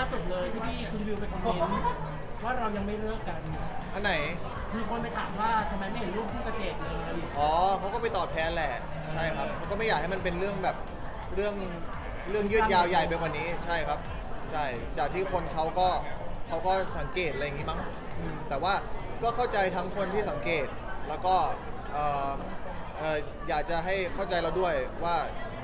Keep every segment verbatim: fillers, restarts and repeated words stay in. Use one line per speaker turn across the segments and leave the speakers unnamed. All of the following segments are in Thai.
สุดเลยที่พี่คุณวิวไปคอมเมนต์ว่าเรายังไม่เลิกกัน
อันไหน
มีคนไปถามว่าทำไมไม่เห็นรูปคู่กระเจดเลย
อ๋อเขาก็ไปตอบแทนแหละใช่ครับเขาก็ไม่อยากให้มันเป็นเรื่องแบบเรื่องเรื่องยืดยาวใหญ่ไปกว่านี้ใช่ครับใช่จากที่คนเขาก็เขาก็สังเกตอะไรอย่างงี้มั้งอืมแต่ว่าก็เข้าใจทั้งคนที่สังเกตแล้วก็เอ่อเอ่ออยากจะให้เข้าใจเราด้วยว่า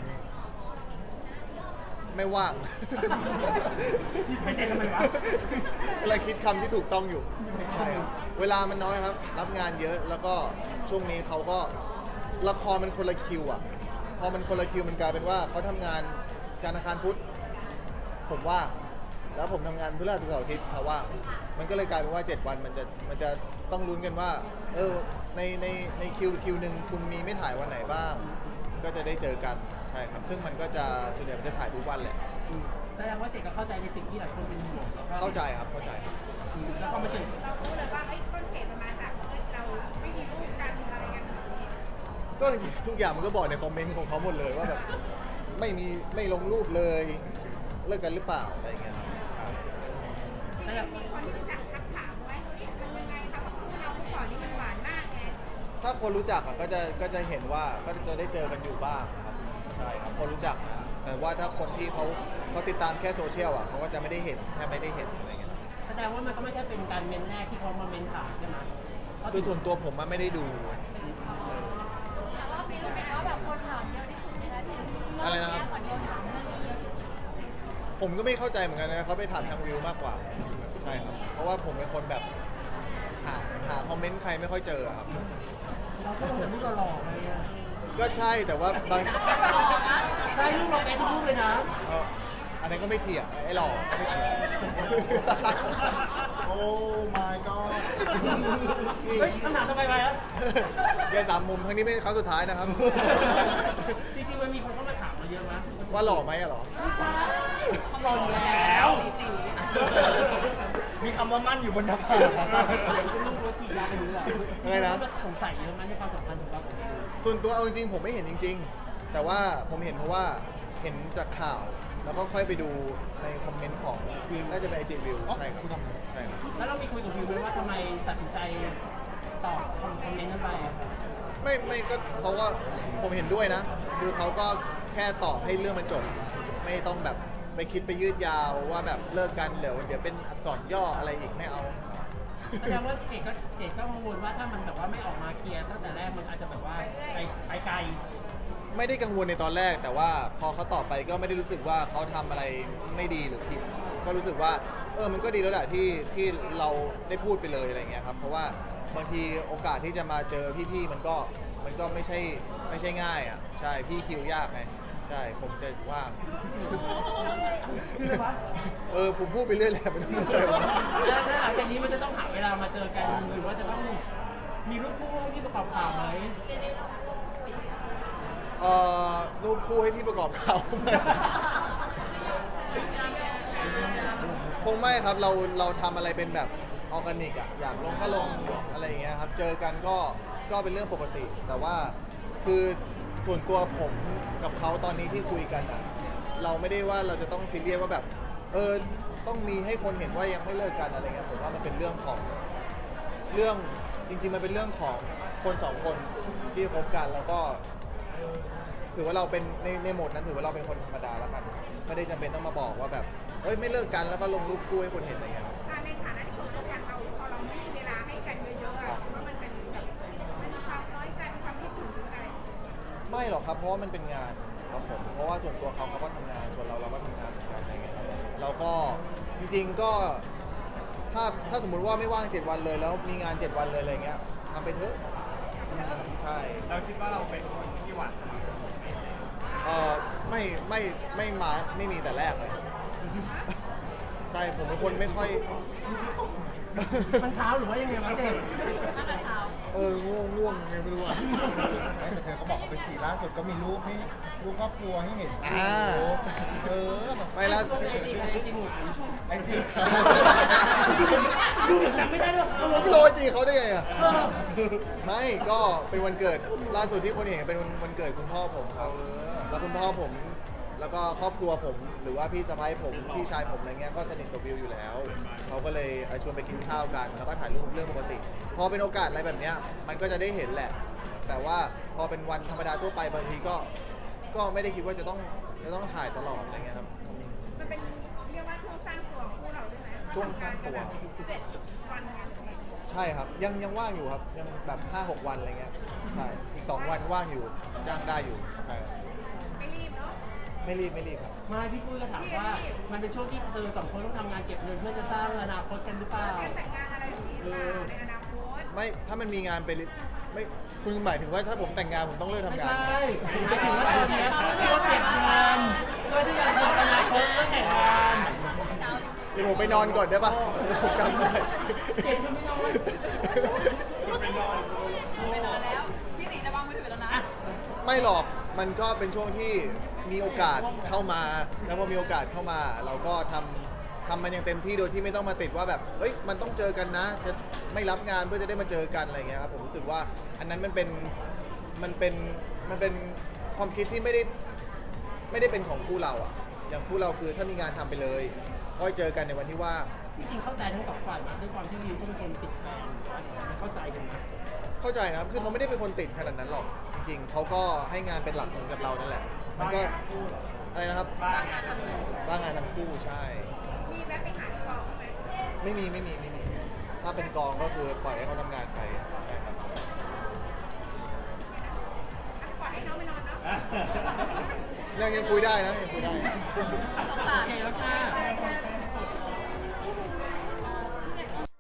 ไม่ว่าง
ไม่ใช่ทำไมวะ
อะไรคิดคำที่ถูกต้องอยู่ใช่ครับเวลามันน้อยครับรับงานเยอะแล้วก็ช่วงนี้เขาก็ละครมันคนละคิวอ่ะพอมันคนละคิวมันกลายเป็นว่าเขาทำงานจันทร์อังคารพุธผมว่างแล้วผมทำงานพฤหัสศุกร์เสาร์อาทิตย์เขาว่างมันก็เลยกลายเป็นว่าเจ็ดวันมันจะมันจะต้องลุ้นกันว่าเออในในในคิวคิวหนึ่งคุณมีไม่ถ่ายวันไหนบ้าง ก็จะได้เจอกันใช่ครับซึ่งมันก็จะส่วนใหญ่มันจะถ่ายทุกวันแหละ
แสดงว่าเจดก็เข้าใจในสิ่งที่หลายคนเป็นห่วงแล้วก็
เข้าใจครับเข้าใจครับ
แล้วก็มาถึง
เรารู้เลยว่าไอ้ต้นเหตุมันมาจากเอ้ยเราไม่มีรูปกันอะไรกันแบบนี้
ก็จริงๆทุกอย่างมันก็บอกในคอมเมนต์ของเขาหมดเลยว่าแบบไม่มีไม่ลงรูปเลยเลิกกันหรือเปล่าอะไรอย่างเงี้ยครับใช่
จริงๆมีคนที่รู้จักทักถามไว้เฮ้ยมันยังไงคะเพราะคู่เราเมื่อก่อนนี่มันหวานมากไง
ถ้าคนรู้จักอะก็จะก็จะเห็นว่าก็จะได้เจอกันอยู่บ้างนะครับใช่ครับคนรู้จักนะแต่ว่าถ้าคนที่เขาเขาติดตามแค่โซเชียลอ่ะเขาก็จะไม่ได้เห็นแทบไม่ได้เห็นอะไรเงี้ยครับ
แสดงว่ามันก็ไม่ใช่เป็นการเมนแรกที่เขามาเมนถามใช่ไหม
คือส่วนตัวผมมันไม่ได้ดู
แต่ว่ามีรู้ไหมว่าแบบคนถามเยอะที่สุดในนาที
อะไรนะครับ
คนเดียวถามเรื่องนี้เยอะที่สุด
ผมก็ไม่เข้าใจเหมือนกันนะเขาไปถามทางวิวมากกว่าใช่ครับเพราะว่าผมเป็นคนแบบหาหาคอมเมนต์ใครไม่ค่อยเจอครับ
เราก็ลงแต่รูปหล่อๆไปอะ
ก็ใช่แต่ว่าบาง
ใช่รูปเราเป็นทุกรูปเลยนะ
เอ่ออันนั้นก็ไม่เถียงไอ้หล่อก็ไม่เถียง
โอ้ my god
เฮ้ยคำถามทำไมไปอะ
อย่าสามมุมครั้งนี้ไม่ครั้งสุดท้ายนะครับ
จริงๆมันมีคนเข้ามาถามเราเยอะมั้ย
ว่าหล่อไหมอะหรอ
ไม่ใช่หล่ออยู่แล้ว
มีคำว่ามั่นอยู่บนหน้าผากครับ
ลูกรถฉีดยาไปรู้แหละ
อะไรนะ
สงสัยเยอะมั้ยในความสัมพันธ์ของเรากับเอง
ส่วนตัวเอาจริงๆผมไม่เห็นจริง ๆ แต่ว่าผมเห็นเพราะว่าเห็นจากข่าว แล้วก็ค่อยไปดูในคอมเมนต์ของน่าจะเป็นไอจีวิวใช่ครับใช่ครับ
แล้วเรามีคุยกับวิวไหมว่าทำไมตัดสินใจตอบคอมเมนต์นั้นไปอะ
ไม่ไม่ก็เขาก็ผมเห็นด้วยนะ คือเขาก็แค่ตอบให้เรื่องมันจบ ไม่ต้องแบบไปคิดไปยืดยาวว่าแบบเลิกกันเดี๋ยวเดี๋ยวเป็นอักษรย่ออะไรอีกไม่เอา
แสดงว่าเจดก็เจดก็กังวลว่าถ้ามันแบบว่าไม่ออกมาเคลียร์ตั้งแต่แรกมันอาจจะแบบว่าไปไปไกล
ไม่ได้กังวลในตอนแรก แต่ว่าพอเขาตอบไปก็ไม่ได้รู้สึกว่าเขาทำอะไรไม่ดีหรือผิดก็รู้สึกว่าเออมันก็ดีแล้วแหละที่ที่เราได้พูดไปเลยอะไรเงี้ยครับเพราะว่าบางทีโอกาสที่จะมาเจอพี่ๆมันก็มันก็ไม่ใช่ไม่ใช่ง่ายอ่ะใช่พี่คิวยากไงใช่ผมจะว่าง
คืออะไรวะ
เออผมพูดไปเรื่อยแหละไม่ต้องสนใจผม
แล้วแล้วหลังจากนี้มันจะต้องหาเวลามาเจอกันหรือว่าจะต้องมีรูปคู่ที่ประกอบข่าวไหม
เอ่อรูปคู่ให้พี่ประกอบข่าว คงไม่ครับเราเราทำอะไรเป็นแบบออร์แกนิกอะอยากลงก็ลงอะไรอย่างเงี้ยครับเจอกันก็ก็เป็นเรื่องปกติ แต่ว่าคือส่วนตัวผมกับเขาตอนนี้ที่คุยกันอะเราไม่ได้ว่าเราจะต้องซีเรียสว่าแบบเออต้องมีให้คนเห็นว่ายังไม่เลิกกันอะไรเงี้ยผมว่ามันเป็นเรื่องของเรื่องจริงๆมันเป็นเรื่องของคนสองคนที่คบกันแล้วก็ ถือว่าเราเป็นในในโหมดนั้นถือว่าเราเป็นคนธรรมดาแล้วกันไม่ได้จำเป็นต้องมาบอกว่าแบบเอ้ยไม่เลิกกันแล้วก็ลงรูปคู่ให้คนเห็นอะไรเงี้ยครับ
อ่าในฐานะที่คนร่วมกันเราพอเราไม่มีเวลาให้กันเยอะๆอะว่ามันเป็นแบบมันมีความน้อยใจมีความคิดถึงอะไร
ไม่หรอกครับเพราะว่ามันเป็นงานครับผมเพราะว่าส่วนตัวเขาเขาก็ทำงานส่วนเราเราก็ทำงานเหมือนกันอะไรเงี้ยครับแล้วก็จริงๆก็ถ้าถ้าสมมุติว่าไม่ว่างเจ็ดวันเลยแล้วมีงานเจ็ดวันเลยอะไรเงี้ยทำไปเถอะใช่
เราคิดว่าเราเป็นคนที่หวานสม่ำเสมอไหม
เออไม่ไม่ไม่มาไม่มีแต่แรกเลย ใช่ผมเป็นคนไม่ค่อย
มันเช้าหรือว่ายังไงวะเจด
ตั้งแต่เช้า
เออง่วงง่วงไงไม่รู้อ่ะ
ไม่แต่เธอเขาบอกว่าเป็นสีล่าสุดก็มีรูปให้รูปครอบครัวให้เห็น
อ่า
เออ
ไม่ละ
ส่วนไอจีไอจีหนู
ไอจีครับ
ดูจำไม่ได้ด้วยเอาลบ
ไม่รู้ว่าจีเขาได้ไงอ่ะ ไม่ก็เป็นวันเกิดล่าสุดที่คนเห็นเป็นวันวันเกิดคุณพ่อผมครับแล้วคุณพ่อผมแล้วก็ครอบครัวผมหรือว่าพี่สะใภ้ผมพี่ชายผมอะไรเงี้ยก็สนิทกับวิวอยู่แล้วเขาก็เลยเอ่อชวนไปกินข้าวกันแล้วก็ถ่ายรูปเรื่องปกติ พอเป็นโอกาสอะไรแบบเนี้ยมันก็จะได้เห็นแหละ แต่ว่าพอเป็นวันธรรมดาทั่วไปบางทีก็ก็ไม่ได้คิดว่าจะต้องจะต้องถ่ายตลอดอะไรเงี้ยครับ
มันเป็นเรียกว่าช่วงสร้างตัวของคู่เราด้วยไหม
ช่วงสร้างตัว
เจ็ดวันกันอะไรอย่างเงี้ย
ใช่ครับยังยังว่างอยู่ครับยังแบบ ห้าหก วันอะไรเงี้ยใช่อีก สอง วันว่างอยู่จ้างได้อยู่ใช่ครับ
ไม่รีบเนาะ
ไม่รีบไม่รีบครับ
ไมาพี่ปุ้ยก็ถามว่ามันเป็นช่วงที่เธอสองคนต้องทำงานเก็บเงินเพื่อจะสร้างอนาคตกันหรือเปล่า
การแต่งงานอะไรแบบนี้หรือเปล่าในอนาคต
ไม่ถ้ามันมีงานไปริไม่คุณหมายถึงว่าถ้าผมแต่งงานผมต้องเลิก
ไม่
ทำงาน
ใช่หมายถึงว่าตอนเนี้ยที่เราเก็บเงินเพื่อที่จะทำอนาคตเพื่อแต่งงาน
เดี๋ยวผมไปนอนก่อนได้ปะผมกำไม่ได้
เก็บจนไม่นอน
ไปนอนแล้ว พี่ตีจะวางมือถือแล้วนะ
ไม่หรอกมันก็เป็นช่วงที่มีโอกาสเข้ามา แล้วพอมีโอกาสเข้ามา เราก็ทำทำมันอย่างเต็มที่โดยที่ไม่ต้องมาติดว่าแบบเฮ้ยมันต้องเจอกันนะ จะไม่รับงานเพื่อจะได้มาเจอกันอะไรเงี้ยครับผมรู้สึกว่าอันนั้นมันเป็นมันเป็นมันเป็นความคิดที่ไม่ได้ไม่ได้เป็นของคู่เราอะอย่างคู่เราคือถ้ามีงานทำไปเลยก็เจอกันในวันที่ว่าง
จริงๆเข้าใจทั้งสองฝ่ายมาด้วยความที่วิวก็เป็นคนติดแฟนมันเข้าใจกันนะ
เข้าใจนะครับ คือเขาไม่ได้เป็นคนติดขนาดนั้นหรอก จริงๆ เขาก็ให้งานเป็นหลักเหมือนกับเรานั่นแหละ มันก็อะไรนะครับ
บ้าง
บ้างงานทั้งคู่ใช่
มีแวะไปหาที่กองไหม
ไม่มีไม่มีไม่มี ถ้าเป็นกองก็คือปล่อยให้เขาทำงานไปใช่ครับ
อ่ะปล่อยให้น้องไปนอนเนาะ
ยังยังคุยได้นะยังคุยได้
โอเคแล้วค่ะ